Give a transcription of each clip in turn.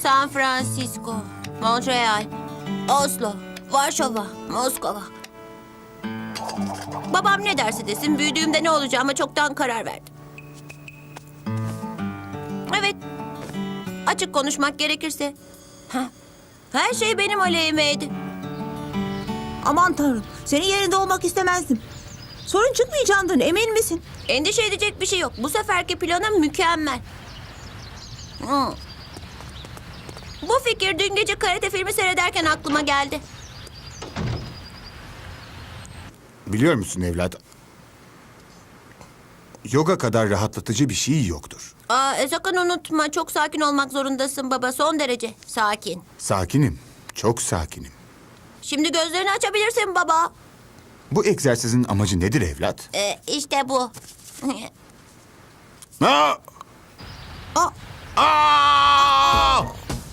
San Francisco, Montreal, Oslo, Varşova, Moskova. Babam ne derse desin büyüdüğümde ne olacağıma çoktan karar verdim. Evet, açık konuşmak gerekirse her şey benim aleyhimeydi. Aman tanrım, senin yerinde olmak istemezdim. Sorun çıkmayacağından emin misin? Endişe edecek bir şey yok. Bu seferki planım mükemmel. Bu fikir dün gece karate filmi seyrederken aklıma geldi. Biliyor musun evlat? Yoga kadar rahatlatıcı bir şey yoktur. Sakın unutma, çok sakin olmak zorundasın baba. Son derece sakin. Sakinim, çok sakinim. Şimdi gözlerini açabilirsin baba. Bu egzersizin amacı nedir evlat? İşte bu. Aa! Aa, Aa!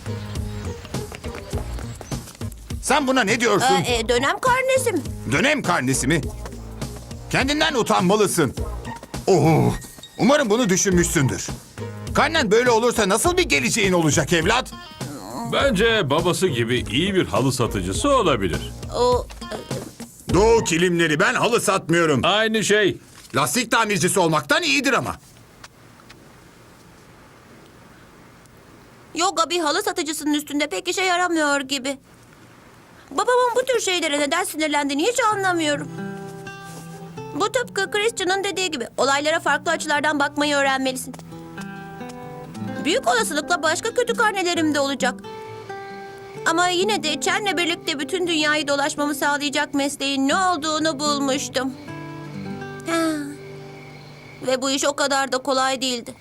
Sen buna ne diyorsun? Dönem karnesi mi? Dönem karnesi mi? Kendinden utanmalısın. Oh, umarım bunu düşünmüşsündür. Karnen böyle olursa nasıl bir geleceğin olacak evlat? Bence babası gibi iyi bir halı satıcısı olabilir. O Doğu kilimleri, ben halı satmıyorum. Aynı şey. Lastik tamircisi olmaktan iyidir ama. yoga bir halı satıcısının üstünde pek işe yaramıyor gibi. Babamın bu tür şeylere neden sinirlendiğini hiç anlamıyorum. Bu tıpkı Christian'ın dediği gibi olaylara farklı açılardan bakmayı öğrenmelisin. Büyük olasılıkla başka kötü karnelerim de olacak. Ama yine de Chen'le birlikte bütün dünyayı dolaşmamı sağlayacak mesleğin ne olduğunu bulmuştum. Ve bu iş o kadar da kolay değildi.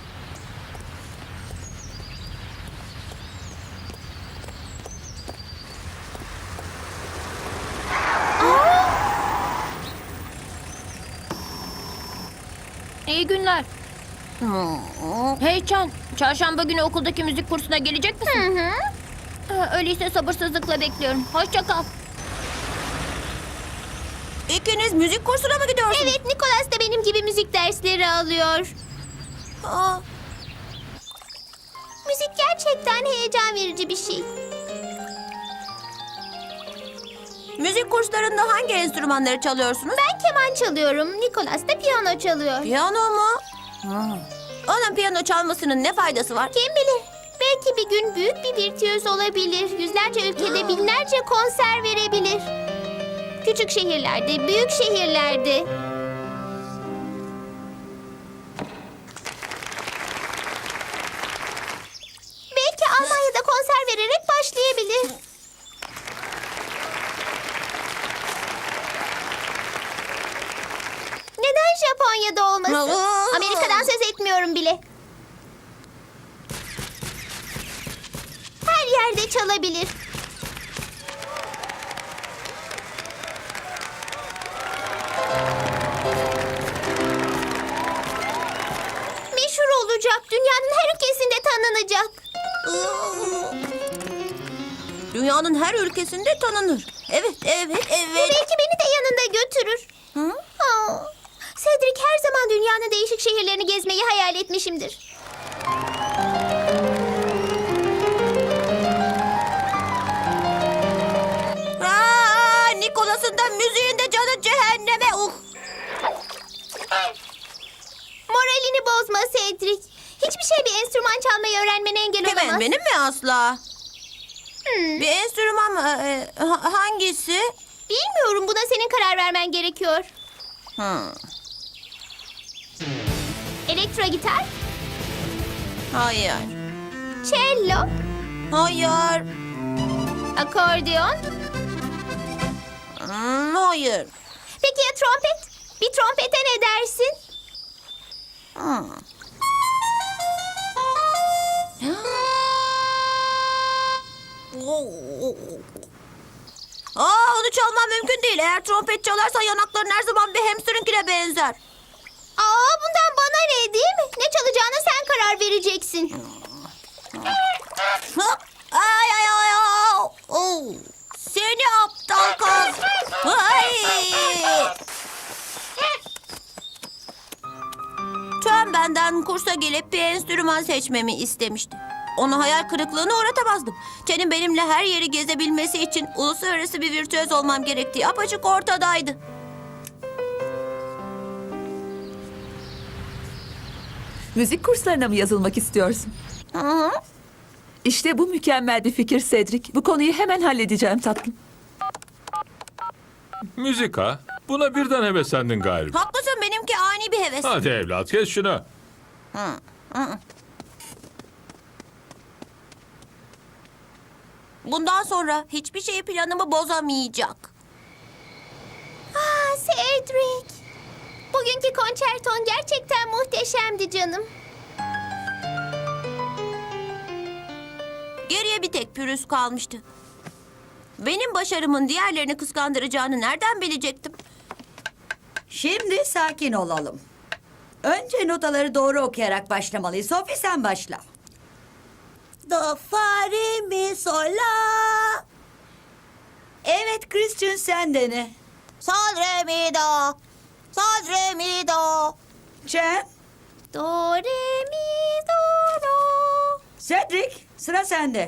İyi günler. Hey Chan, çarşamba günü okuldaki müzik kursuna gelecek misin? Öyleyse sabırsızlıkla bekliyorum. Hoşça kal. İkiniz müzik kursuna mı gidiyorsunuz? Evet, Nicholas da benim gibi müzik dersleri alıyor. Aa, Müzik gerçekten heyecan verici bir şey. müzik kurslarında hangi enstrümanları çalıyorsunuz? Ben keman çalıyorum, Nicholas da piyano çalıyor. Piyano mu? Onun piyano çalmasının ne faydası var? Kim bilir? Belki bir gün büyük bir virtüöz olabilir. Yüzlerce ülkede binlerce konser verebilir. Küçük şehirlerde, büyük şehirlerde. Belki Almanya'da konser vererek başlayabilir. Neden Japonya'da olmasın? Amerika'dan söz etmiyorum bile. Her yerde çalabilir. Meşhur olacak. Dünyanın her ülkesinde tanınacak. Dünyanın her ülkesinde tanınır. Evet, evet, evet. Belki beni de yanında götürür. Aa, Cedric her zaman dünyanın değişik şehirlerini gezmeyi hayal etmişimdir. Nicholas'ın da müziğin de canı cehenneme. Moralini bozma Cedric. Hiçbir şey bir enstrüman çalmayı öğrenmene engel olamaz. Kimin, benim mi asla? Bir enstrüman mı? Hangisi? Bilmiyorum, buna senin karar vermen gerekiyor. Elektro gitar, Hayır. cello, Hayır. akordeon. Hayır. Peki ya trompet? Bir trompete ne dersin? Onu çalmam mümkün değil. Eğer trompet çalarsa yanakların her zaman bir hamster'inkine benzer. Bundan bana ne, değil mi? Ne çalacağına sen karar vereceksin. Ay ay ay ay. Seni aptal kız. Ay. Tüm benden kursa gelip bir enstrüman seçmemi istemişti. Onu hayal kırıklığına uğratamazdım. Chen'in benimle her yeri gezebilmesi için uluslararası bir virtüöz olmam gerektiği apaçık ortadaydı. Müzik kurslarına mı yazılmak istiyorsun? Hı hı. İşte bu mükemmel bir fikir Cedric. Bu konuyu hemen halledeceğim tatlım. Müzik ha? Buna birden heveslendin galiba. Haklısın, benimki ani bir heves. Hadi evlat kes şunu. Bundan sonra hiçbir şey planımı bozamayacak. Cedric. Bugünkü konçerton gerçekten muhteşemdi canım. Geriye bir tek pürüz kalmıştı. Benim başarımın diğerlerini kıskandıracağını nereden bilecektim? Şimdi sakin olalım. Önce notaları doğru okuyarak başlamalıyız. Sophie sen başla. Do, fa, re, mi, sol, la. Evet Christian sen dene. Sol, re, mi, do. Sol, re, mi, do. Chen, Do, re, mi, do, do. Cedric sıra sende.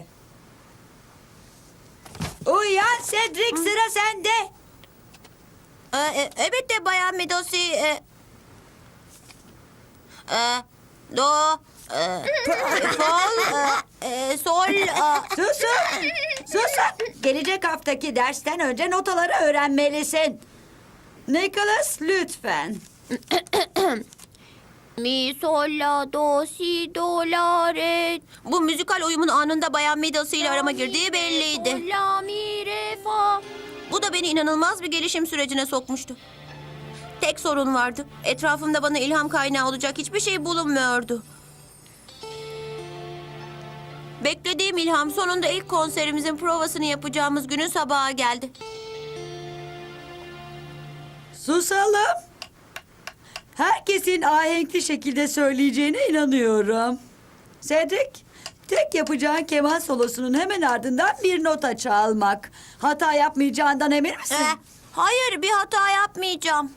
Uyan Cedric sıra sende. Elbette Bayan Medosi. Do, sol, Susun. Susun. Gelecek haftaki dersten önce notaları öğrenmelisin. Nicholas lütfen. Mi, sol, la, do, si, do, la, re. Bu müzikal uyumun anında Bayan Medosi ile arama girdiği belliydi. Sol, la, mi, re, fa. Bu da beni inanılmaz bir gelişim sürecine sokmuştu. Tek sorun vardı. Etrafımda bana ilham kaynağı olacak hiçbir şey bulunmuyordu. Beklediğim ilham sonunda ilk konserimizin provasını yapacağımız günün sabahı geldi. Susalım. Herkesin ahenkli şekilde söyleyeceğine inanıyorum. Cedric, tek yapacağın keman solosunun hemen ardından bir nota çalmak. Hata yapmayacağından emin misin? Hayır, bir hata yapmayacağım.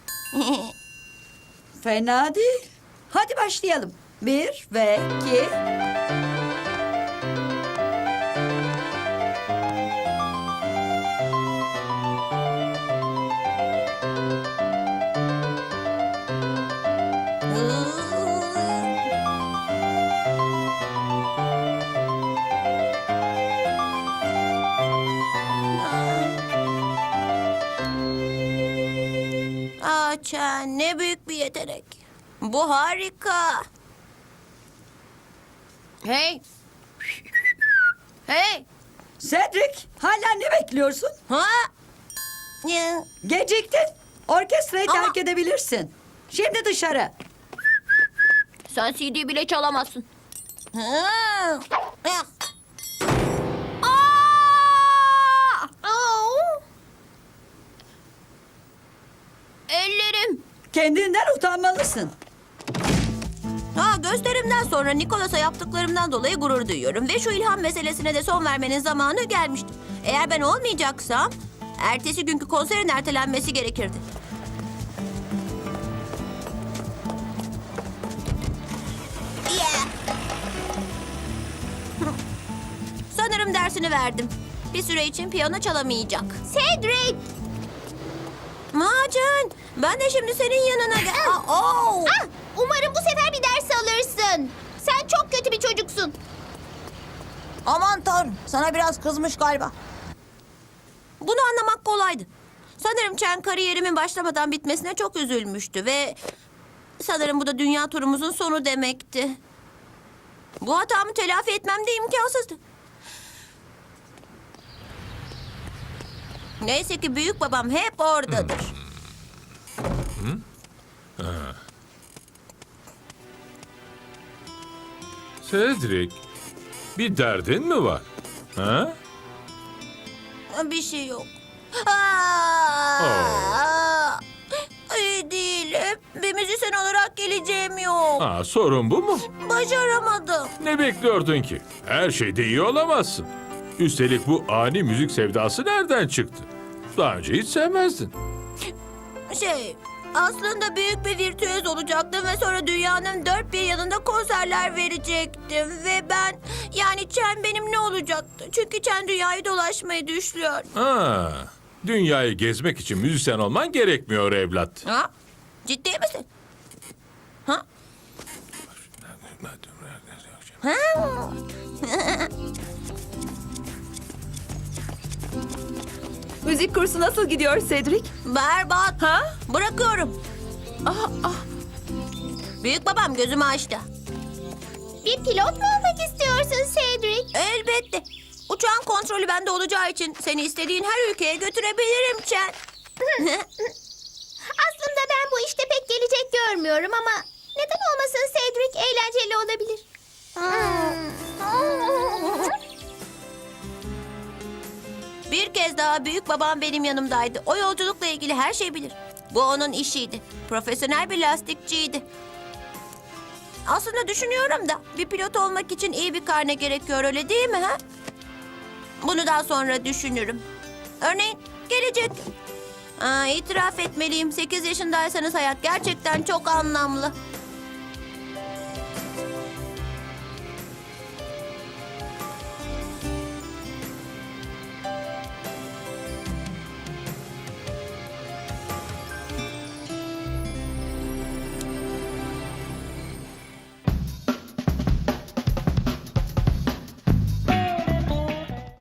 Fena değil. Hadi başlayalım. 1 ve 2. Chen, ne büyük bir yetenek. Bu harika. Hey. Hey. Cedric, hala ne bekliyorsun? Ha? Ya. Geciktin. Orkestrayı Ama- terk edebilirsin. Şimdi dışarı. Sen CD bile çalamazsın. Ha. Ya. Ellerim. Kendinden utanmalısın. Gösterimden sonra Nikolas'a yaptıklarımdan dolayı gurur duyuyorum. Ve şu ilham meselesine de son vermenin zamanı gelmişti. Eğer ben olmayacaksam, ertesi günkü konserin ertelenmesi gerekirdi. Sanırım dersini verdim. Bir süre için piyano çalamayacak. Cedric. Macen, ben de şimdi senin yanına gel. Umarım bu sefer bir ders alırsın. Sen çok kötü bir çocuksun. Aman tanrım, sana biraz kızmış galiba. Bunu anlamak kolaydı. Sanırım Chen kariyerimin başlamadan bitmesine çok üzülmüştü ve sanırım bu da dünya turumuzun sonu demekti. Bu hatamı telafi etmem de imkansızdı. Neyse ki büyük babam hep oradadır. Cedric, bir derdin mi var? Ha? Bir şey yok. Oh. İyi değilim. Bir müzisyen olarak geleceğim yok. Ha, sorun bu mu? Başaramadım. Ne bekliyordun ki? Her şeyde iyi olamazsın. Üstelik bu ani müzik sevdası nereden çıktı? Daha önce hiç sevmezdin. Aslında büyük bir virtüöz olacaktım ve sonra dünyanın dört bir yanında konserler verecektim ve ben yani Chen benim ne olacaktı? Çünkü Chen dünyayı dolaşmayı düşlüyor. Ha, dünyayı gezmek için müzisyen olman gerekmiyor evlat. Ha? Ciddi misin? Ha? Ha? Müzik kursu nasıl gidiyor Cedric? Berbat. Ha? Bırakıyorum. Büyük babam gözümü açtı. Bir pilot mu olmak istiyorsun Cedric? Elbette. Uçağın kontrolü bende olacağı için seni istediğin her ülkeye götürebilirim Chen. Aslında ben bu işte pek gelecek görmüyorum ama neden olmasın Cedric, eğlenceli olabilir. Bir kez daha büyük babam benim yanımdaydı. O yolculukla ilgili her şeyi bilir. Bu onun işiydi. Profesyonel bir lastikçiydi. Aslında düşünüyorum da bir pilot olmak için iyi bir karne gerekiyor, öyle değil mi ha? Bunu daha sonra düşünürüm. Örneğin gelecek. İtiraf etmeliyim, 8 yaşındaysanız hayat gerçekten çok anlamlı.